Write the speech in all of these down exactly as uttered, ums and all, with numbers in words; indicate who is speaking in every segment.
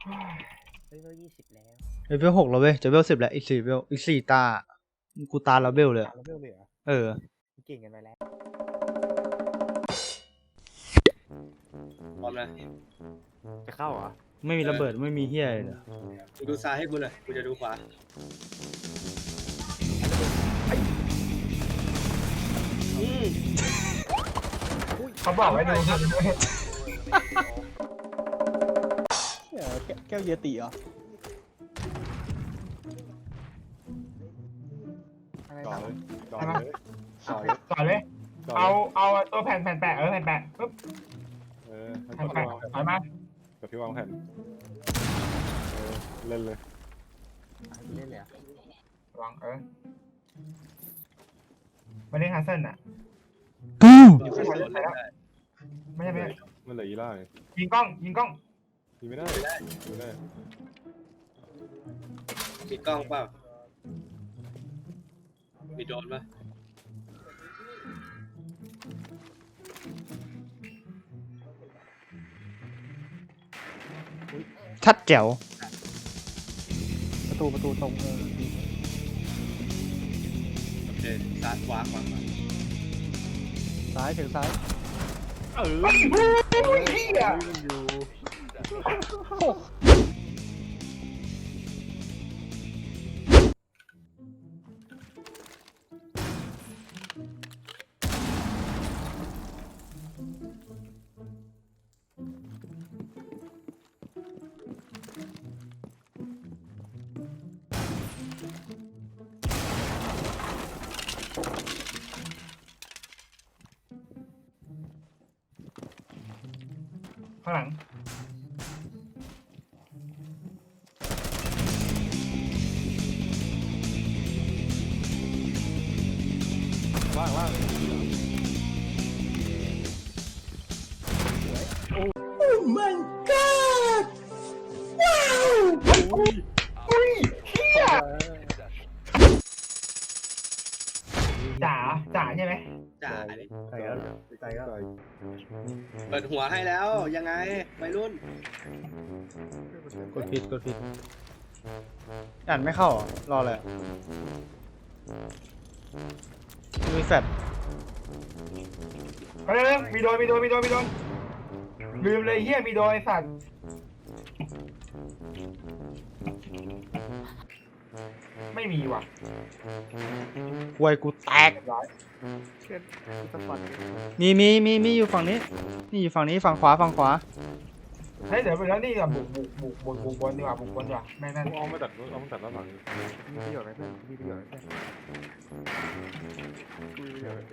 Speaker 1: เฮ้ยเวลยี่สิบแล้ว
Speaker 2: เลเวลหกแล้วเว้ยจะเวลสิบแล้วอีกสี่เวลอีกสี่ตากูตาแล้วเวลเลย
Speaker 1: ตามเลเวลเลยเหรอ
Speaker 2: เออ
Speaker 1: เก่งกันไปแล้ว
Speaker 3: พร้อมนะ
Speaker 1: จะเข้าเหรอ
Speaker 2: ไม่มีระเบิดไม่มีเฮียเลย
Speaker 3: มึงดูซ้ายให้กูหน่อยกูจะดูขวาอืม
Speaker 4: เขาบอกไว้ดูครับ
Speaker 1: เออแก้วเยติเหรออะไร
Speaker 5: ก่อ
Speaker 1: ต่อ
Speaker 5: เลยก่อเลยก่อเลย
Speaker 4: ก่อนเลย
Speaker 5: ก่
Speaker 4: เอา
Speaker 5: ลย
Speaker 4: เอาตัวแผ่นแผ่นแปะเออแผ่นแปะปุ๊บ
Speaker 5: เออให้
Speaker 4: แผ่น
Speaker 5: กด
Speaker 4: แปะ
Speaker 5: พี่วาง
Speaker 4: ถอยมา
Speaker 5: กดพี่วางแผ่นเออเล่นเลย
Speaker 1: เล่นเลยเหรอ
Speaker 4: วางเออไม่ได้ฮัสเซิลอ่ะ
Speaker 3: อยู่ข้างบนได้
Speaker 4: ไม่ใช่ไม่ใช่
Speaker 5: มันเหลืออีล่าไง
Speaker 4: ยิงกล้องยิงกล้อง
Speaker 5: ยิงไม่ได้ยิงไม่ได้
Speaker 3: มีกล้องเปล่ามีโดรนป่ะ
Speaker 2: ชัดแจ๋ว
Speaker 1: ประตูประตูตรงเออ
Speaker 3: โอเคซ้ายขวาขวาขวา
Speaker 1: ซ้ายถึงซ้าย
Speaker 4: เออโอ้ยเฮีย
Speaker 1: อยู่
Speaker 4: ข้างหลัง
Speaker 5: ล่างล่าง
Speaker 4: จ๋าจ๋าใช่ไหม
Speaker 3: จ่าดิ
Speaker 1: ใส่แล้วใส่แล้ว
Speaker 5: ใส่
Speaker 3: เปิดหัวให้แล้วยังไงวัยรุ่น
Speaker 2: กดผิดกดผิดอ่านไม่เข้าเหรอรอเลยมีแฟลช
Speaker 4: เฮ้ยมีโดนมีโดนมีโดนมีโดนลืมเลยเฮียมีโดนไอ้สัตว์ไม่มีว่ะ
Speaker 2: ควยกูแตก
Speaker 4: เรียบร้อย
Speaker 1: เพื่อนสปอร์ต
Speaker 2: มีมีมีมีอยู่ฝั่งนี้นี่อยู่ฝั่งนี้ฝั่งขวาฝั่งขวา
Speaker 4: เฮ้ยเดี๋ยวไปแล้วนี่ก่อนบุกบุกบุกบุกบุกบนดีกว่าบุกบนดีกว่าแม่งนั่น
Speaker 5: มึงเอามาตัดเอามาตัดด้านหลัง
Speaker 1: มีประโยชน์ไหมเพื่อนมีประโยชน์ไหมเพื่อนมีประโยชน์ไหมเพื่อน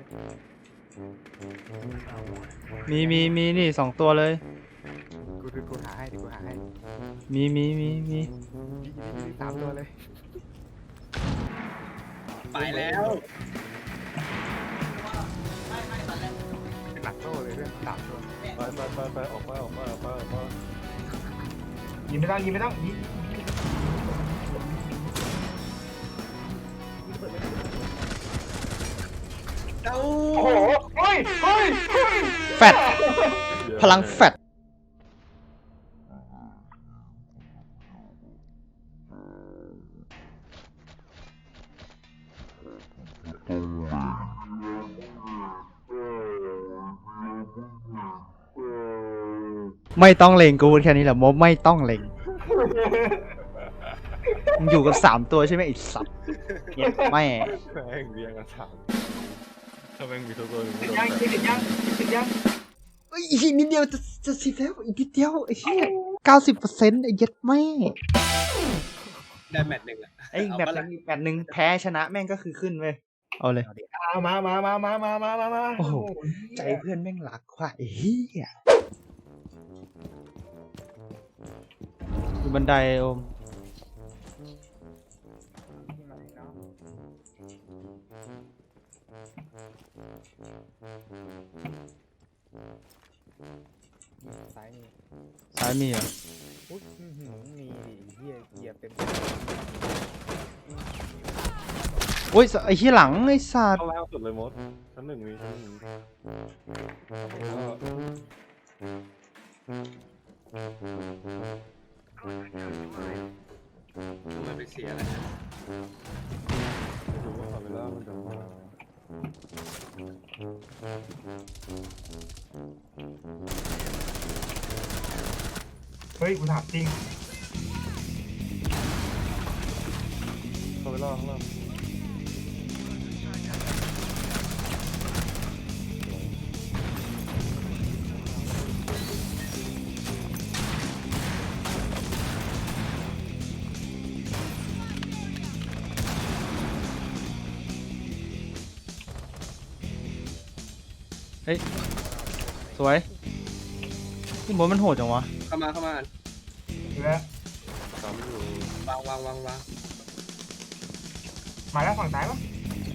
Speaker 2: มีมีมีนี่สองตัวเลย
Speaker 1: กูดูกูหาให้ดิกูหาให้
Speaker 2: มีมีมีมี
Speaker 1: มีสามตัวเลย
Speaker 3: ไปแล้ว
Speaker 1: เป็นหลักโซ่เลยเพื่อนสามตัว
Speaker 5: ไปไปไปไปออกมาออกมาออกมาออกมา
Speaker 4: ยิงไม่ต้องยิงไม่ต้องยิง
Speaker 3: เอ้า
Speaker 4: โอ้โหเฮ้ยเฮ้ยเฮ้ย
Speaker 2: แฟดพลังแฟดไม่ต้องเล็งกูพูดแค่นี้แหละโมไม่ต้องเล็งมึงอยู่กันสามตัวใช่ไหมไอ้สัตว์เหี้ยแม่
Speaker 5: แม่งเรียงกันสามถ้าแม่งมีตัวตัวหนึ่ง
Speaker 4: ติดยังติดยังติดยัง
Speaker 2: เอ้ยอีกนิดเดียวจะจะสิบแล้วอีกนิดเดียวไอ้เหี้ยเก้าสิบเปอร์เซ็นต์ไอ้เหี้ย็ดแม่
Speaker 3: ได้แมตช์หนึ่งอะ
Speaker 2: ไอ้แมตช์หนึ่งแมตช์หนึ่งแพ้ชนะแม่งก็คือขึ้นเว้ยเอาเลย
Speaker 4: เอามามามามามามามามา
Speaker 2: โอ้โห ใจเพื่อนแม่งหลักว่ะไอ้เหี้ยอยู่บันไดโอม
Speaker 1: ซ้ายนี่
Speaker 2: ซ้ายมีเหรอ
Speaker 1: อุ๊ยอื้อหือมีดิเฮียเหยียบเต็ม
Speaker 2: โอ้ยไอ้เหี้ยหลังไอ้สัตว์
Speaker 5: ข้างล่างสุดเลยมดชั้นหนึ่งมีชั้นหนึ่งมี
Speaker 3: ทำไมไปเสียอะไรนะ
Speaker 5: ไม่รู้ว่าคาเมล่ามันจะมา
Speaker 4: เฮ้ยกูถามจริง
Speaker 5: คาเมล่าข้างล่าง
Speaker 2: เฮ้ยสวยพี่บอลมันโหดจังวะ
Speaker 3: เข้ามาเข้ามา
Speaker 4: แล้ว
Speaker 5: สามอยู่
Speaker 3: วางวางวางวาง
Speaker 4: มาแล้วฝั่งซ้ายปะ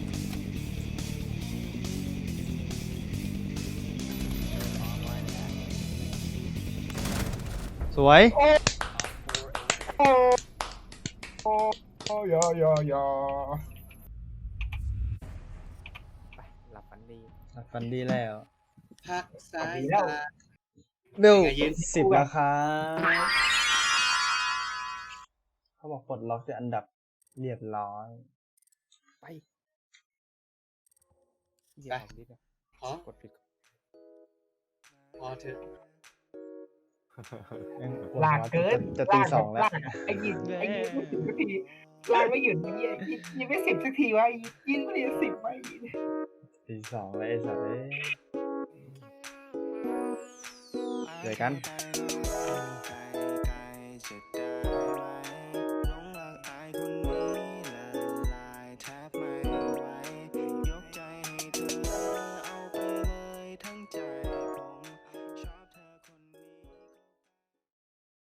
Speaker 2: สวย
Speaker 4: โอ้โอ้ยอยอยอ
Speaker 1: ไปหลับฝันดี
Speaker 2: ฟันดีแล้ว
Speaker 3: พักสายตา
Speaker 2: เบล
Speaker 3: เป็นไงยืน
Speaker 2: สิบแล้วครับเขาบอกปลดล็อกจะอันดับเรียบร้อย
Speaker 1: ไปเหยียบของดิสอะ
Speaker 3: พอก
Speaker 1: ดผิด
Speaker 3: พอเถอะ
Speaker 4: ลากเกิน
Speaker 2: จะตีสองแล้ว
Speaker 4: ลากไอ้ยินไอ้ยินไม่ถึงสักทีลากไม่หยุดไอ้ยินยินไม่สิบสักทีวะไอ้ยินไม่ได้สิบไป
Speaker 2: ตีสองแล้วไอ้สัตว์เอ้ยเจอกัน
Speaker 1: ไ